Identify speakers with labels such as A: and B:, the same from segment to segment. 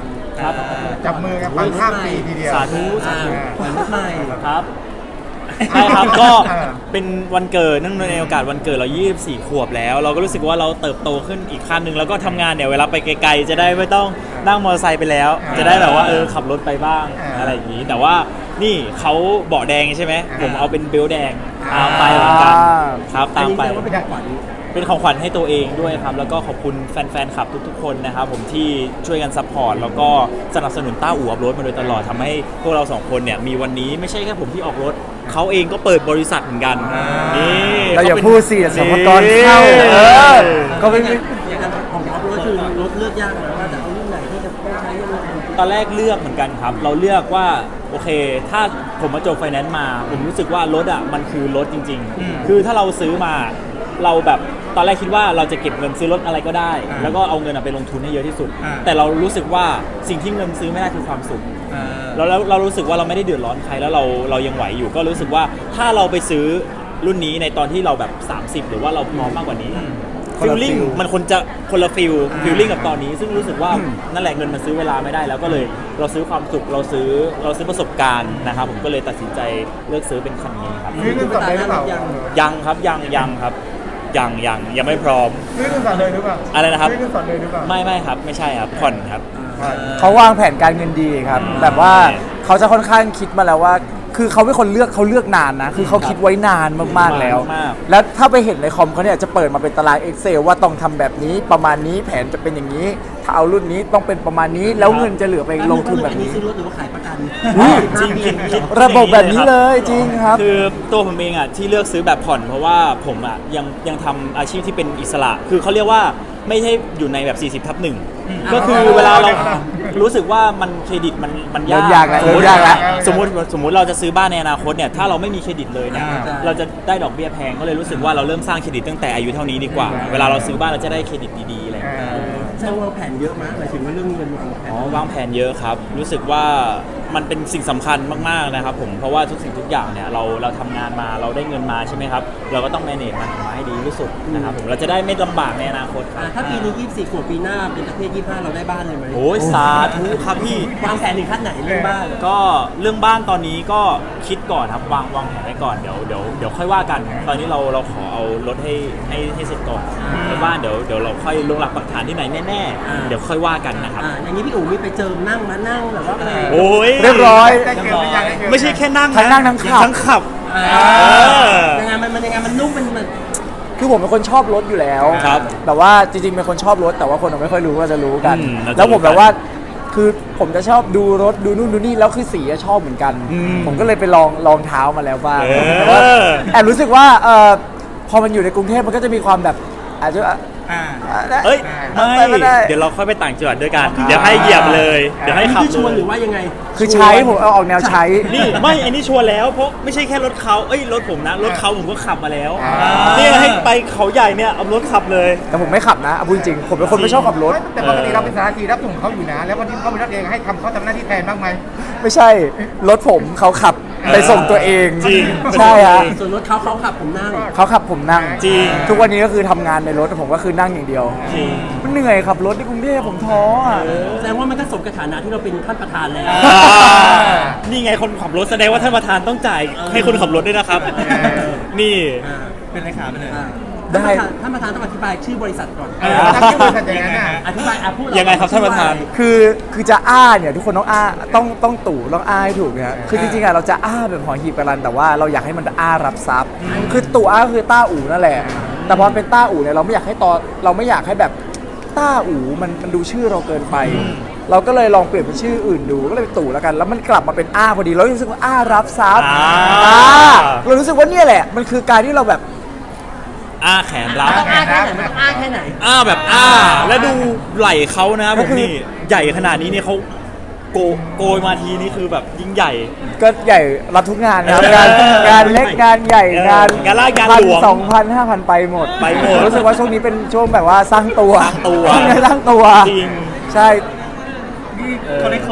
A: ง
B: ครับ
C: จับมือกันฟังข้ามปีทีเดียว
B: สาธุสาธุ
A: ขวัญรถใหม่
B: ครับใช่ครับก็เป็นวันเกิดเนื่องในโอกาสวันเกิดเรา24 ขวบแล้ว เราก็รู้สึกว่าเราเติบโตขึ้นอีกขั้นหนึ่งแล้วก็ทำงานเนี่ยเวลาไปไกลๆจะได้ไม่ต้องนั่งมอเตอร์ไซค์ไปแล้ว จะได้แบบว่าขับรถไปบ้างอะไรอย่างนี้แต่ว่านี่เขาเบาะแดงใช่ไหมผมเอาเป็นเบลต์แดงตามไปเหมือนกันครับตามไป
A: อันนี้แสดงว่าเป็นของขวัญ
B: เป็นของขวัญให้ตัวเองด้วยครับแล้วก็ขอบคุณแฟนๆคลับทุกๆคนนะครับผมที่ช่วยกันซัพพอร์ตแล้วก็สนับสนุนต้าอู่อัพรถมาโดยตลอดทำให้พวกเราสองคนเนี่ยมีวันนี้ไม่ใช่แค่ผมที่ออกรถเขาเองก็เปิดบริษัทเหมือนกันนี่
D: เราอย่าพูดสิสมกรเข้าก็ไม่
A: อย่างนั้นของออฟโรดคือรถเลือกยากนะว่าจะเอารุ่นไหนที่จะต้องใช้ยังไง
B: ตอนแรกเลือกเหมือนกันครับเราเลือกว่าโอเคถ้าผมมาจบไฟแนนซ์มาผมรู้สึกว่ารถอ่ะมันคือรถจริงๆคือถ้าเราซื้อมาเราแบบตอนแรกคิดว่าเราจะเก็บเงินซื้อรถอะไรก็ได้แล้วก็เอาเงินไปลงทุนให้เยอะที่สุดแต่เรารู้สึกว่าสิ่งที่เงินซื้อไม่ได้คือความสุขแล้วเรารู้สึกว่าเราไม่ได้เดือดร้อนใครแล้วเรายังไหวอยู่ก็รู้สึกว่าถ้าเราไปซื้อรุ่นนี้ในตอนที่เราแบบ30หรือว่าเราพร้อมมากกว่านี้ฟิลลิ่งมันคนจะคนละฟิลลิ่งกับตอนนี้ซึ่งรู้สึกว่านั่นแหละเงินมันซื้อเวลาไม่ได้แล้วก็เลยเราซื้อความสุขเราซื้อประสบการณ์นะครับผมก็เลยตัดสินใจเลือกซื้อเป็นคันนี้ครับ
C: ซื้อรุ่นต่อเลยหรือเปล่า
B: ยังครับยังครับยังไม่พร้อม
C: ซื้อรุ่นต่อเลยหรือเปล่า
B: อะไรนะครับ
C: ซื้อรุ่นต่อเลยหรือเปล่า
B: ไม่ครับไม่ใช่ครับผ่อนครับ
D: เขาวางแผนการเงินดีครับแบบว่าเขาจะค่อนข้างคิดมาแล้วว่า คือเขาเป็นคนเลือกนานนะคือเขาคิดไว้นานมากๆแล้ว แล้วถ้าไปเห็นในคอมเขาเนี่ยจะเปิดมาเป็นตาราง Excel ว่าต้องทำแบบนี้ประมาณนี้แผนจะเป็นอย่างนี้ ถ้าเอารุ่นนี้ต้องเป็นประมาณนี้แล้วเงินจะเหลือไปลงทุนแบบนี้
A: ซื้อรถหรือว่าขายประกัน
B: จริงคิด
D: ระบบแบบนี้เลยจริงครับ
B: คือตัวผมเองอ่ะที่เลือกซื้อแบบผ่อนเพราะว่าผมอ่ะยังทำอาชีพที่เป็นอิสระ คือเขาเรียกว่าไม่ใช่อยู่ในแบบ 40/1 ก็คือเวลาเรารู้สึกว่ามันเครดิตมันยาก
D: ยากแล้วยากแล้ว
B: สมมติเราจะซื้อบ้านในอนาคตเนี่ยถ้าเราไม่มีเครดิตเลยเนี่ยเราจะได้ดอกเบี้ยแพงก็เลยรู้สึกว่าเราเริ่มสร้างเครดิตตั้งแต่อายุเท่านี้ดีกว่า เวลาเราซื้อบ้านเราจะได้เครดิตดีๆอะไรอย่างเงี้ย
A: แสดงว่าแผนเยอะมากหมายถึงว่าเรื่องเงินวางแผน
B: วางแผนเยอะครับรู้สึกว่ามันเป็นสิ่งสำคัญมากๆนะครับผมเพราะว่าทุกสิ่งทุกอย่างเนี่ยเราทำงานมาเราได้เงินมาใช่ไหมครับเราก็ต้อง manage มันออกมาให้ดีที่สุดนะครับผมเราจะได้ไม่ลำบากในอนาคตครับ
A: ถ้าปีนี้24ขวบปีหน้าเป็นประเภท25เราได้บ้านเลยไหม
B: โอ้ยสาธุครับพี่
A: วางแผนถึงขั้นไหนเรื่องบ้าน
B: ก็เรื่องบ้านตอนนี้ก็คิดก่อนครับวางแผนไว้ก่อนเดี๋ยวค่อยว่ากัน ตอนนี้เราขอเอารถให้เสร็จก่อนแล้วบ้านเดี๋ยวเราค่อยลงหลักปักฐานที่ไหนแน่ๆเดี๋ยวค่อยว่ากันนะครับ
A: อย่างนี้พี่อู๋มีไปเจิมนั่งแบบว่าอะไร
B: โอ้ย
D: เรียบร้อย
C: ได้เกินหรือยังด้เกิน
B: ไม่ใช่แค่นั่ง
D: ทั้งนั่งทั้งขับ
B: ทั้งขับ
A: ยังไงมันนุ่มมัน
D: คือผมเป็นคนชอบรถอยู่แล้ว
B: ครับ
D: แต่ว่าจริงๆเป็นคนชอบรถแต่ว่าคนไม่ค่อยรู้ก็จะรู้กัน
B: เราจะ
D: แล้วผม
B: รู้กัน
D: แบบว่าคือผมจะชอบดูรถดูนู่นดูนี่แล้วคือสีอะชอบเหมือนกัน ผมก็เลยไปลองเท้ามาแล้วบ้างแต่ว่าแอบรู้สึกว่าพอมันอยู่ในกรุงเทพมันก็จะมีความแบบอาจจะ
B: เอ้ย
D: ไม่ได้
B: เดี๋ยวเราค่อยไปต่างจังหวัดด้วยกันเดี๋ยวให้เหยียบเลยเดี๋ยวให้ขับ
A: ชวน
B: เล
A: หรื
B: ย
A: อว่ายังไง
D: คือใช้ผมเอาออกแนวใช้
B: นี่ไม่อันนี้ชัวร์แล้วเพราะไม่ใช่แค่รถเขารถผมนะรถเขาผมก็ขับมาแล้วนี่ให้ไปเขาใหญ่เนี่ยเอารถขับเลย
D: แต่ผมไม่ขับนะเอาพูดจริงผมเป็นคนไม่ชอบขับรถ
C: แต่ปกติเราเป็นสารทีรับส่งเขาอยู่นะ แล้ววันที่เขาเป็นรถเองให้เขาทำหน้าที่แทนบ้างไหม
D: ไม่ใช่รถผมเขาขับไปส่งตัวเอง
B: จริง
D: ใช่ฮะ
A: ส่วนรถเขาขับผมนั่ง
D: เขาขับผมนั่ง
B: จริง
D: ทุกวันนี้ก็คือทำงานในรถผมก็คือนั่งอย่างเดียว
B: จริง
D: มันเหนื่อยขับรถที่กรุงเทพผมท้ออ่ะ
A: แสดงว่ามันก็สมกับฐานะที่เราเป็นท่านประธานแล้ว
B: นี่ไงคนขับรถแสดงว่าท่านประธานต้องจ่ายให้คนขับรถด้วยนะครับ นี่
A: เป็นเลขาไปเลย
D: ได้
A: ท่านประธานต้องอธิบายชื่อบริษัทก่อน
C: ถ้าที่บริษัทอย่างนั้นน่ะ
A: อธิบายพูด
B: ยังไงครับท่านประธาน
D: คือจะอ้าเนี่ยทุกคนต้องอ้าต้องตู่ต้องอ้าให้ถูกเนี่ยคือจริงๆอะเราจะอ้าแบบหอหีบกระรันแต่ว่าเราอยากให้มันอ้ารับทรัพย์คือตู่อ้าคือต้าอู่นั่นแหละ แต่พอเป็นต้าอู่เนี่ยเราไม่อยากให้แบบต้าอู่มันดูชื่อเราเกินไป เราก็เลยลองเปลี่ยนเป็นชื่ออื่นดูก็เลยเป็นตู่แล้วกันแล้วมันกลับมาเป็นอ้าพอดีเรารู้สึกว่าอ้ารับทรัพย์เรารู้สึกว่าเนี่ยแหละมันคือการที่เราแบบ
B: อ้าแขนรับ
A: ต้องอ้าแค่ไหนมันต้องอ้าแค่ไหน
B: อ้าแบบอ้าแล้วดูไหล่เขานะผมนี่ใหญ่ขนาดนี้เนี่ยเขาโกยมาทีนี่คือแบบยิ่งใหญ่
D: ก็ใหญ่รับทุกงานครับงานเล็กงานใหญ่งาน
B: งานลาดงานหลวง
D: 1,000 2,000 5,000 ไปหมด
B: ไปหมด
D: รู้สึกว่าช่วงนี้เป็นช่วงแบบว่าสร้างตัว
B: สร้างตัว
D: ช่วงนี้สร้างตัว
B: จริง
D: ใช่
A: เขาได้ขอร์ดนะ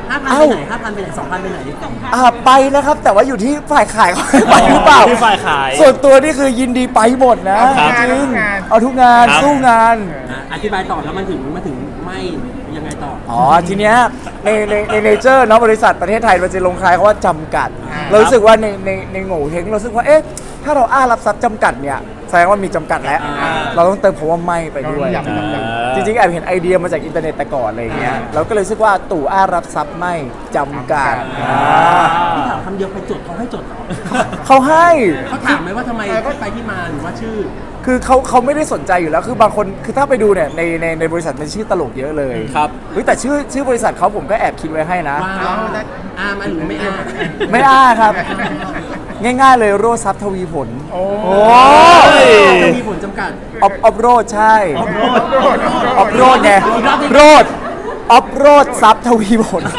A: 5,000 ไปไหน 2,000 ไปไหน
D: ไปนะครับแต่ว่าอยู่ที่ฝ่ายขายเขาให้ไปหรือเปล่า
B: ที่ฝ่ายขาย
D: ส่วนตัวนี่คือยินดีไปหมดนะครับ จริงเอาทุกงาน
B: ครับ
D: สู้งาน
A: อธิบายต่อแล้วมันถึงไม่ยังไงต่อ
D: ทีเนี้ยในเนเจอร์เนาะบริษัทประเทศไทยมันจะลงท้ายเขาว่าจำกัด เรารู้สึกว่าในโง่เฮงเรารู้สึกว่าเอ๊ะถ้าเรารับทรัพย์จำกัดเนี่ยแสดงว่ามีจำกัดแล้ว เราต้องเติมคำว่าไม่ไปด้วย จริงๆแอบเห็นไอเดียมาจากอินเทอร์เน็ตแต่ก่อนอะไรอย่างเงี้ยเราก็เลยรู้สึกว่าตู่รับทรัพย์ไม่จำกัด
A: พี่ถามคำเดียวไปจดเขาให้จดเหรอ
D: เขาให้
A: เขาถามไหมว่าทำไมไปที่มาหรือว่าชื่อ
D: คือเขาไม่ได้สนใจอยู่แล้วคือบางคนคือถ้าไปดูเนี่ยในบริษัทมันชื่อตลกเยอะเลย
B: ครับ
D: เฮ้ยแต่ชื่อบริษัทเขาผมก็แอบคิดไว้ให้นะ
A: ว่ามาหรือไม่อา
D: ไม่ครับ ง่ายๆเลยโรดทรัพย์ทวีผล
C: โอ้
A: จะมีผลจำกัด
D: ออฟโรดใช่
A: ออฟโรด
D: ออฟโรดไงโรดออฟโรดทรัพย์ทวีผล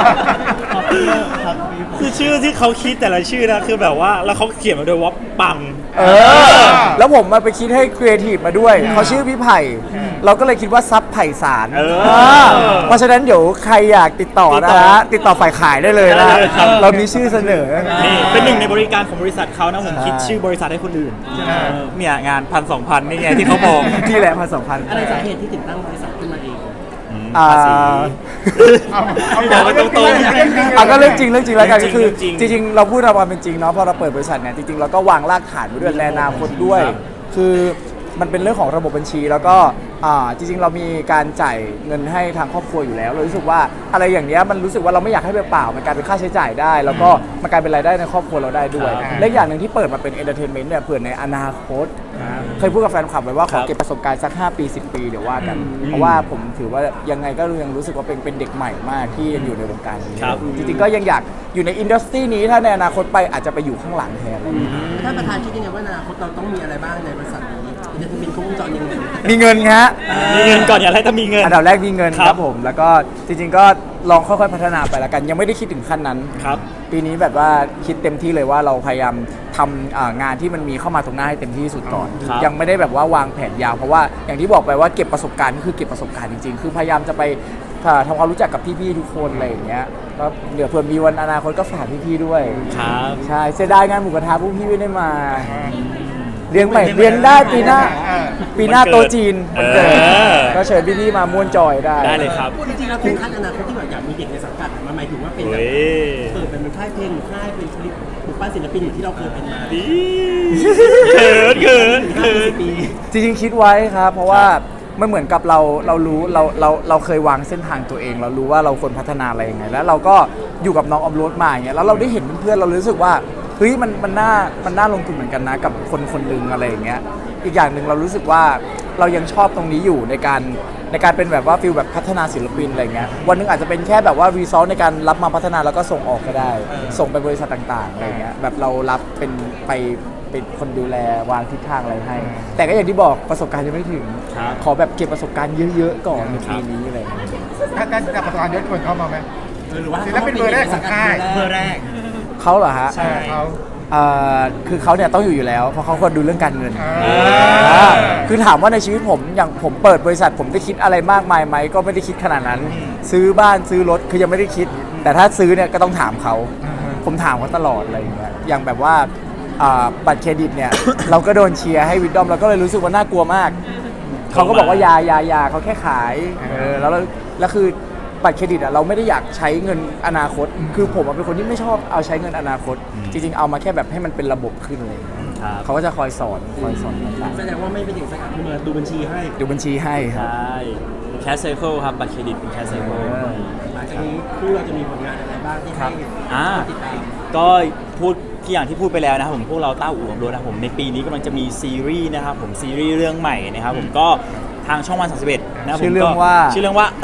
B: คือชื่อที่เขาคิดแต่ละชื่อนะคือแบบว่าแล้วเขาเขียนมาด้วยว่าปัง
D: แล้วผมมาไปคิดให้ครีเอทีฟมาด้วยเขาชื่อพี่ไผ่เราก็เลยคิดว่าซับไผ่สาร เพราะฉะนั้นเดี๋ยวใครอยากติดต่อนะฮะติดต่อฝ่ายขายได้เลยนะ
B: ได้เลยครับ
D: เรามีชื่อเสนอ
B: นี่เป็นหนึ่งในบริการของบริษัทเขานะผมคิดชื่อบริษัทให้คนอื่นเนี่ยงาน1,000-2,000นี่ไงที่เขาบอก
D: ที่แหละ1,200
A: อะไรสาเหตุที่ถึงตั้งบริษัทขึ้นมาเอง
B: ภาษี
C: เอาไปตรงๆ
D: ก็เรื่องจริงแล้วกัน
B: เรื่องจริง
D: คือ
B: เรื่องจริง
D: จริงๆเราพูดตามความเป็นจริงเนาะพอเราเปิดบริษัทเนี่ยจริงๆเราก็วางรากฐานไว้ด้วยในอนาคตด้วย
B: ครับ
D: คือมันเป็นเรื่องของระบบบัญชีแล้วก็จริงๆเรามีการจ่ายเงินให้ทางครอบครัวอยู่แล้วเรารู้สึกว่าอะไรอย่างเนี้ยมันรู้สึกว่าเราไม่อยากให้เปล่าๆมันกลายเป็นค่าใช้จ่ายได้ แล้วก็มันกลายเป็นรายได้ในครอบครัวเราได้ด้วย
B: ครับ
D: และอย่างหนึ่งที่เปิดมาเป็นเอนเตอร์เทนเมนต์เนี่ยเผื่อในอนาคตเคยพูดกับแฟนคลับไว้ว่าขอเก็บประสบการณ์สัก5 ปี 10 ปีเดี๋ยวว่ากัน เพราะว่าผมถือว่ายังไงก็ยังรู้สึกว่าเป็นเด็กใหม่มากที่ยังอยู่ในวงการนี้
B: ครับ
D: จริงๆก็ยังอยากอยู่ในอินดัสทรีนี้ถ้าในอนาคตไปอาจจะไปอยู่ข้างหลังแทนอะไรอย่างเงี้ย
A: ท่านประธานคิดยังไงว่าอนาคตเราต้องมีอะไรบ้างในบริษัทนี้จะเป็นครบวงจรยังไง
D: มีเงินฮะ
B: มีเงินก่อนอย่าให้ต้องมีเงิน
D: อันดับแรกมีเงิน
B: ครับ
D: ครับผมแล้วก็จริงๆก็ลองค่อยๆพัฒนาไปแล้วกัน ยังไม่ได้คิดถึงขั้นนั้น
B: ครับ
D: ปีนี้แบบว่าคิดเต็มที่เลยว่าเราพยายามทำงานที่มันมีเข้ามาตรงหน้าให้เต็มที่ที่สุดก่อน
B: ครับ
D: ยังไม่ได้แบบว่าวางแผนยาวเพราะว่าอย่างที่บอกไปว่าเก็บประสบการณ์ก็คือเก็บประสบการณ์จริงๆ คือพยายามจะไปทำความรู้จักกับพี่ๆทุกคนอะไรอย่างเงี้ยก็เดี๋ยวเผื่อมีวันอนาคตก็ฝากพี่ๆด้วย
B: ครับ
D: ใช่เสียดายงานหมูกระทะพวกพี่ไม่ได้มาเลี้ยงใหม่เลี้ยงได้ปีหน้า ปีหน้าโตะจีนวันเกิด ก็เชิญพี่ๆมาม่วนจอยได้
B: ได้เลยครับ
A: จริงๆแล้วถึงขั้นอนาคตที่แบบอยากมีเด็กในสังกัดมันหมายถึงว่าเป็น
B: เฮ้
A: แบบ
B: ย
A: เปิดเป็นค่ายเพลงหรือค่ายเป็นคลิปหรือป้าศิลปินอย่างที่เราเคยเป็นมา
B: ดีเขินเขินเขิน
A: ปี
D: จริงๆคิดไว้ครับ เพราะว่ามันเหมือนกับเรารู้เราเคยวางเส้นทางตัวเอง เรารู้ว่าเราควรพัฒนาอะไรยังไง แล้วเราก็อยู่กับน้องออมโรดมาอย่างเงี้ยแล้วเราได้เห็นเพื่อนๆเรารู้สึกว่าเฮ้ยมันน่าลงทุนเหมือนกันนะกับคนหนึ่งอะไรอย่างเงี้ยอีกอย่างหนึ่งเรารู้สึกว่าเรายังชอบตรงนี้อยู่ในการเป็นแบบว่าฟิลแบบพัฒนาศิลปินอะไรเงี้ยวันหนึงอาจจะเป็นแค่แบบว่ารีซอสในการรับมาพัฒนาแล้วก็ส่งออกก็ได้ ส่งไปบริษัทต่างๆอะไรเงี้ยแบบเรารับเป็นคนดูแลวางทิศทางอะไรให้ แต่ก็อย่างที่บอกประสบการณ์ยังไม่ถึง
B: ครับ
D: ขอแบบเก็บประสบการณ์เยอะๆก่อนในปีนี้อะไรเงี้ย
C: ถ้าจะประสบการณ์เยอะชวนเขามาไหม
A: หรือว่า
C: ศิลปินเบอร์แรกของค่าย
A: เบอร์แรก
D: เขาเหรอฮะ
C: เขา
D: คือเขาเนี่ยต้องอยู่แล้วเพราะเขาควรดูเรื่องการเงิน
C: อ่า
D: คือถามว่าในชีวิตผมอย่างผมเปิดบริษัทผมได้คิดอะไรมากมายไหมก็ไม่ได้คิดขนาดนั้น ซื้อบ้านซื้อรถคือยังไม่ได้คิด แต่ถ้าซื้อเนี่ยก็ต้องถามเขา ผมถามเขาตลอดอะไรอย่างเงี้ยอย่างแบบว่าบัตรเครดิตเนี่ย เราก็โดนเชียร์ให้วิดดอมเราก็เลยรู้สึกว่าน่ากลัวมาก เขาก็บอกว่ายาเขาแค่ขายแล้วคือบัตรเครดิตอ่ะเราไม่ได้อยากใช้เงินอนาคต คือผมเป็นคนที่ไม่ชอบเอาใช้เงินอนาคต จริงๆเอามาแค่แบบให้มันเป็นระบบขึ้นเลย
B: ครับ
D: เขาก็จะคอยสอนต่าง
A: แสดงว่าไม่เป็นเด็กสังกัดคือมาดูบัญชีให้
D: ๆดูบัญชีให้ค
B: ใช
D: รับ
B: ่แคสเซอร์ครับบัตรเครดิตเป็นแคสเซอร์
A: หลังจากนี้คู่เราจะมีผลงานอะไรบ้างที่ให้
B: อ่า
A: ติดตาม
B: ก็พูดที่อย่างที่พูดไปแล้วนะครับผมพวกเราต้าอู่ของโดนะครับผมในปีนี้กำลังจะมีซีรีส์นะครับผมซีรีส์เรื่องใหม่นะครับผมก็ทางช่องวัน31นะครับผม
D: ชื่อเรื่องว่า
B: ชื่อเรื่องว่า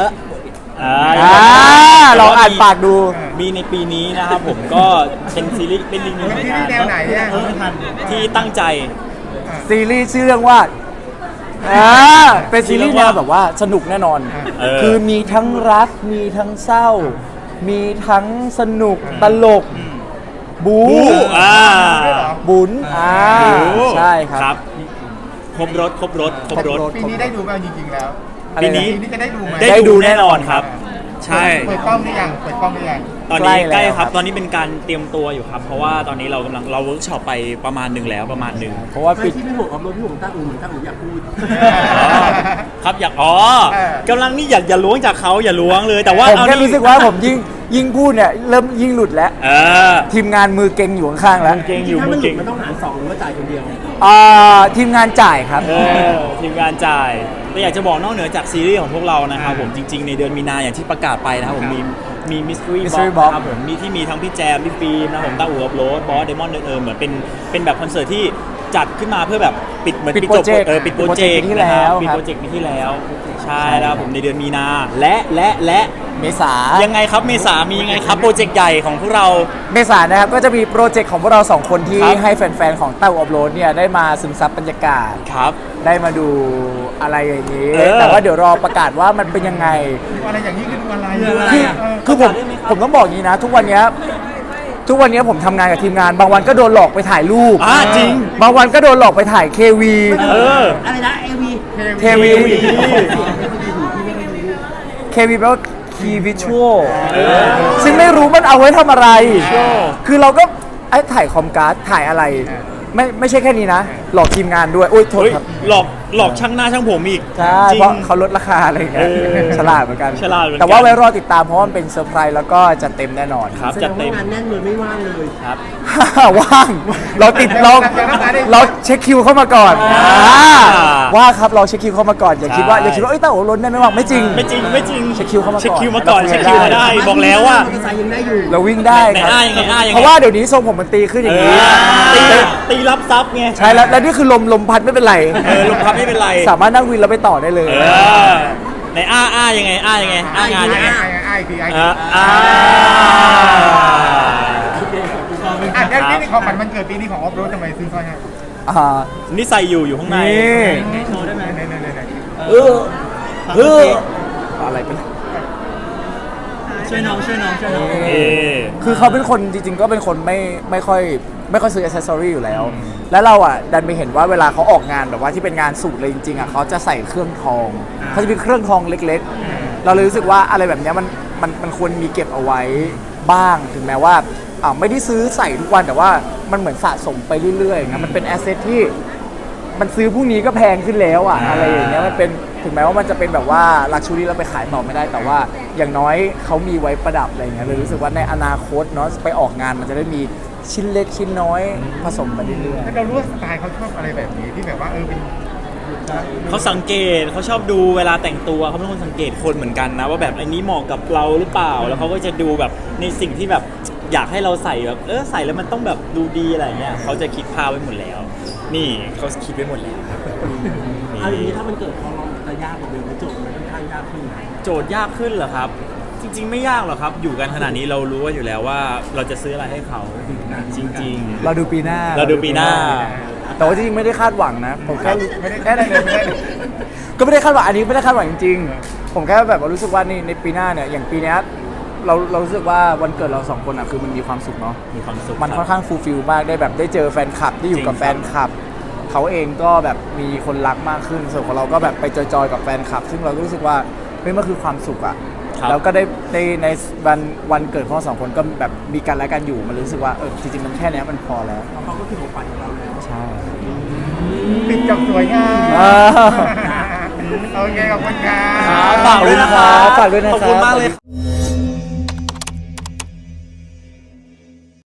D: ลองอ่านปากดู
B: มีในปีนี้นะครับผมก็เป็นซีรีส์เป็นอีกหนึ่ง
C: เป็น
B: ราย
C: ที่
B: การ
C: แนวไหนเนี่ย
B: ที่ตั้งใจ
D: ซีรีส์ชื่อเรื่องว่าเป็นซีรีส์แนวแบบว่าสนุกแน่นอน คือมีทั้งรักมีทั้งเศร้า มีทั้งสนุกตลกบู บุญใช่ครับ
B: ครบรถ
C: ปีนี้ได้ดูไหมจริงๆแล้ว
D: อะไรนะ
B: ปีนี้
C: ปีนี้จะได้ดูไหม
B: ได้ดูแน่นอนครับใช่
C: เปิดกล้องหรือยังเปิดกล้องหรือยัง
B: ตอนนี้
D: ใกล้แล้ว
B: ใกล้ค
D: ครั
B: รับ
D: บ
B: ตอนนี้เป็นการเตรียมตัวอยู่ครับ เพราะว่าตอนนี้เรากำลังเวิร์กช็อปไปประมาณหนึ่งแล้วประมาณหนึ่ง
D: เพราะว่า
A: ไม่
D: ปิด
A: ที่พี่ห่วงออฟโรดพี่ห่วงต้าอูเหมือนต้าอูอยากพูด
B: ครับอยาก
C: เออก
B: ำลังนี่อย่าล้วงจากเขาอย่าล้วงเลยแต่ว่า
D: ผม
B: เอา
D: แค่
B: นี่
D: รู้สึกว่าผมยิ่งพูดเนี่ยเริ่มยิ่งหลุดแล้ว
B: เออ
D: ทีมงานมือเก่งอยู่ข้างๆแล้ว
B: เก่งอยู่
A: ถ้า
B: มื
A: มัน
B: อ
A: หลุ
B: เก่
A: ด
B: ง
A: มันต้องหาร2หรือว่าจ่ายคนเดียว
D: ทีมงานจ่ายครับ
B: ทีมงานจ่ายแต่อยากจะบอกนอกเหนือจากซีรีส์ของพวกเรานะครับผมจริง ๆ ในเดือนมีนาอย่างที่ประกาศไปนะครับผมมีมิสทรี
D: Mystery
B: บ็อก
D: Box
B: ครับผมมีที่มีทั้งพี่แจมพี่ฟิล์มนะครับผมต้าอู่อัพโหลดบอสเดมอนเหมือนเป็นแบบคอนเสิร์ตที่จัดขึ้นมาเพื่อแบบปิดเหมือน
D: ปิด
B: จบ
D: โปรเจกต์
B: ปิดโปรเจกต์
D: ปีที่แล้ว
B: ปิด
D: ครับ
B: โปรเจกต์ปีที่แล้วใช่แล้วผมในเดือนมีนาและ
D: เมษา
B: ยังไงครับเมษามียังไงครับโปรเจกต์ใหญ่ของพวกเรา
D: เมษานะครับก็จะมีโปรเจกต์ของพวกเรา2คนที่
B: ครับ
D: ให้แฟนๆ ของเต้าอัพโหลดเนี่ยได้มาซึมซับบรรยากาศ
B: ครับ
D: ได้มาดูอะไรอย่างนี้
B: เออ
D: แต่ว่าเดี๋ยวรอประกาศว่ามันเป็นยังไง
C: ดูอะไรอย่างนี้คือดูอะไร
A: ดูอะไร
D: คือผมต้องบอกอย่างนี้นะ ทุกวันเนี้ยผมทำงานกับทีมงาน บางวันก็โดนหลอกไปถ่ายรูป
B: จริง
D: บางวันก็โดนหลอกไปถ่ายเควี
B: เออ
A: อะไรนะเอวี
D: เควี
B: KV
D: เควีแปลว่าคีวิชวลซึ่งไม่รู้มันเอาไว้ทำอะไร คือเราก็ถ่ายคอมการ์ดถ่ายอะไร ไม่ใช่แค่นี้นะ หลอกทีมงานด้วยโอ้ยโทษ
B: เฮ้ย
D: ครับ
B: หลอกช่างหน้าช่างผมอีก
D: ใช่
B: จริง
D: เพราะเขาลดราคาอะไรอย่างเงี้ย
B: เออ
D: ฉลาดเหมือนกัน
B: ฉลาดเหมือนกัน
D: แต่ว่าไว้รอติดตามเพราะว่ามันเป็นเซอร์ไพรส์แล้วก็จะเต็มแน่นอน
B: ครับ
A: แสด
B: จัด
A: ง
B: เต็
A: ว่าม งานแน่นเลยไม่ว่างเลย
B: ครับ
D: ว่างเราติดเราเช็คคิวเข้ามาก่อน ว่าครับเราเช็คคิวเข้ามาก่อนอย่าคิดว่า
B: ใช่
D: เอ้ยเต้าโอ้ล้นได้ไหมว่างไม่จริง
B: ไม่จริง
D: เช็คคิวเข้ามาก่อน
B: เช็คคิวมาก่อน
D: เราคุย
B: เช็คคิวมา
D: ได้
B: ได้บอกแล้วว่า
A: มอเตอร์ไซค์ยังได้อยู่
D: เราวิ่งได้
B: ไหน
D: ครับ
B: ยังไงยังไง
D: เพราะว่าเดี๋ยวนี้ทรงผมมันตีขึ้นอย่างนี้
B: ตีรับซับไง
D: ใช่แล้วนี่คือลมพัดไม่เป็นไร
B: ลงพับไม่เป็นไร
D: สามารถนั่งวินแล้วไปต่อได้เลย
B: ในยังไงยังไงงานยังไง
C: ไอ้คือไอ้
B: ครับ
C: นี่ของขวัญมันเกิดปีนี้ของออฟโรดทำไมซื้อสร้อยให้
D: อ่า
B: นี่ใส่อยู่ข้างใน
D: นี่
A: โชว์ได้ไหม
C: ไหน
D: อะไรเป็น
A: ช่วยน้อง
D: คือเขาเป็นคนจริงๆก็เป็นคนไม่ค่อยซื้ออ c เซสซอรี่อยู่แล้ว แล้วเราอ่ะดันไปเห็นว่าเวลาเขาออกงานแบบว่าที่เป็นงานสูตรเลยจริงๆอ่ะเขาจะใส่เครื่องทองเขาจะมีเครื่องทองเล็กๆ เราเลยรู้สึกว่าอะไรแบบเนี้ยมันควรมีเก็บเอาไว้บ้างถึงแม้ว่าไม่ได้ซื้อใส่ทุกวันแต่ว่ามันเหมือนสะสมไปเรื่อยๆนะมันเป็นแอสเซทที่มันซื้อพรุ่งนี้ก็แพงขึ้นแล้วอ่ะอะไรอย่างเงี้ยมันเป็นถึงแม้ว่ามันจะเป็นแบบว่าลักชูรี่เราไปขายต่อไม่ได้แต่ว่าอย่างน้อยเขามีไว้ประดับอะไรอย่างเงี้ยเลยรู้สึกว่าในอนาคตเนาะไปออกงานมันจะได้มีชิ้นเล็กชิ้นน้อยผสมไปเรื่อย
C: เรารู้ว่าสไตล์เขาชอบอะไรแบบนี้ที่แบบว่าเป็น
B: เขาสังเกตเขาชอบดูเวลาแต่งตัวเขาเป็นคนสังเกตคนเหมือนกันนะว่าแบบอันนี้เหมาะกับเราหรือเปล่าแล้วเขาก็จะดูแบบในสิ่งที่แบบอยากให้เราใส่แบบใส่แล้วมันต้องแบบดูดีอะไรเงี้ยเขาจะคิดภาพไว้หมดแล้ว นี่เขาคิดไว้หมดแล้วครับ
A: เอาอย่างนี้ถ้ามันเกิดความร้อนจะยากกว่าเดิมไหมโจทย์มันค่อนข้างยากขึ้นไหม
B: โจทย์ยากขึ้นเหรอครับ จริง ๆ ไม่ยากหรอกครับ อยู่กันขนาดนี้เรารู้ว่าอยู่แล้วว่าเราจะซื้ออะไรให้เขาจริง
D: ๆเราดูปีหน้า
B: ๆ เราดูปีหน้า
D: แต่ว่าจริงๆไม่ได้คาดหวังนะผมแค่
C: ไม่ได้เลยไม่ได้เลย
D: ก็ไม่ได้คาดหวังอันนี้ไม่ได้คาดหวังจริงๆผมแค่แบบว่ารู้สึกว่าในปีหน้าเนี่ยอย่างปีเนี้ยเรารู้สึกว่าวันเกิดเราสองคนอ่ะคือมันมีความสุขเนาะ
B: มีความสุข
D: มันค่อนข้างฟูลฟิลมากได้แบบได้เจอแฟนคลับได้อยู่กับ
B: จริง
D: แฟนคลับเขาเองก็แบบมีคนรักมากขึ้นส่วนของเราก็แบบไปจอยๆกับแฟนคลับ ซึ่งเราก็รู้สึกว่าเฮ้ยมันคือความสุขอ่ะ
B: ครับ
D: แล้วก็ได้ในวันเกิดของเราสองคนก็แบบมีกันและกันอยู่มันรู้สึกว่าจริงๆมันแค่เนี้ยมันพอแล้ว
A: เขาก็คือของขวัญของเราแล้ว
D: ใช่
C: ปิดจบสวยงาม
D: อ่า
C: โอเคขอบคุณครับ
B: ฝากด้วยนะครับ
D: ฝากด้วยนะครับ
B: ขอบคุณมากเลย